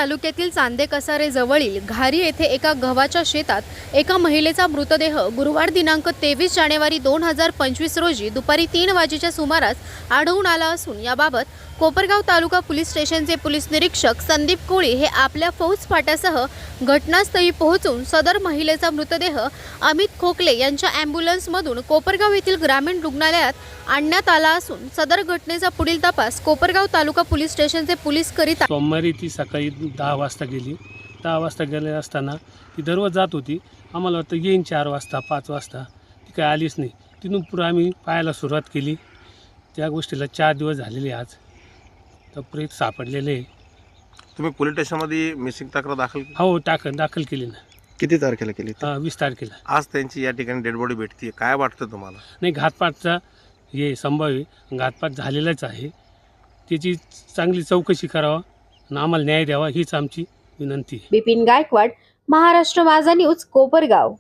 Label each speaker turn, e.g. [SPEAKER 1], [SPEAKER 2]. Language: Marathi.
[SPEAKER 1] तालुक्यातील चांदे कसारे जवळील घारी येथे एका गव्हाच्या शेतात एका महिलेचा मृतदेह गुरुवार दिनांक 23 जानेवारी 2025 रोजी दुपारी 3 वाजेच्या सुमारास आढळून आला असून याबाबत कोपरगाव तालुका पोलीस स्टेशनचे पोलीस निरीक्षक संदीप कोळी हे आपल्या फौज फाट्यासह घटनास्थळी पोहोचून सदर महिलेचा मृतदेह अमित खोकले यांच्या ॲम्ब्युलन्समधून कोपरगाव येथील ग्रामीण रुग्णालयात आणण्यात आला असून सदर घटनेचा पुढील तपास कोपरगाव तालुका पोलीस स्टेशनचे पोलीस करीत आहेत।
[SPEAKER 2] सोमवारी ती सकाळी 10 वाजता गेली। 10 वाजता गेले असताना ती दररोज जात होती। आम्हाला वाटतं येईन 4 वाजता 5 वाजता, ती काय आलीच नाही। तिथून पुढे आम्ही पाहायला सुरुवात केली। त्या गोष्टीला 4 दिवस झालेले आज तर प्रेत सापडलेले।
[SPEAKER 3] तुम्ही पोलीस स्टेशनमध्ये मिसिंग तक्रार दाखल केली?
[SPEAKER 2] हो दाखल केली ना।
[SPEAKER 4] किती तारखेला केली?
[SPEAKER 2] 20 तारखेला।
[SPEAKER 3] आज त्यांची या ठिकाणी डेड बॉडी भेटते, काय वाटतं तुम्हाला?
[SPEAKER 2] नाही, घातपातचा हे संभाव्य घातपात झालेलाच आहे। त्याची चांगली चौकशी करावा आणि आम्हाला न्याय द्यावा हीच आमची विनंती आहे।
[SPEAKER 1] बिपिन गायकवाड, महाराष्ट्र माझा न्यूज, कोपरगाव।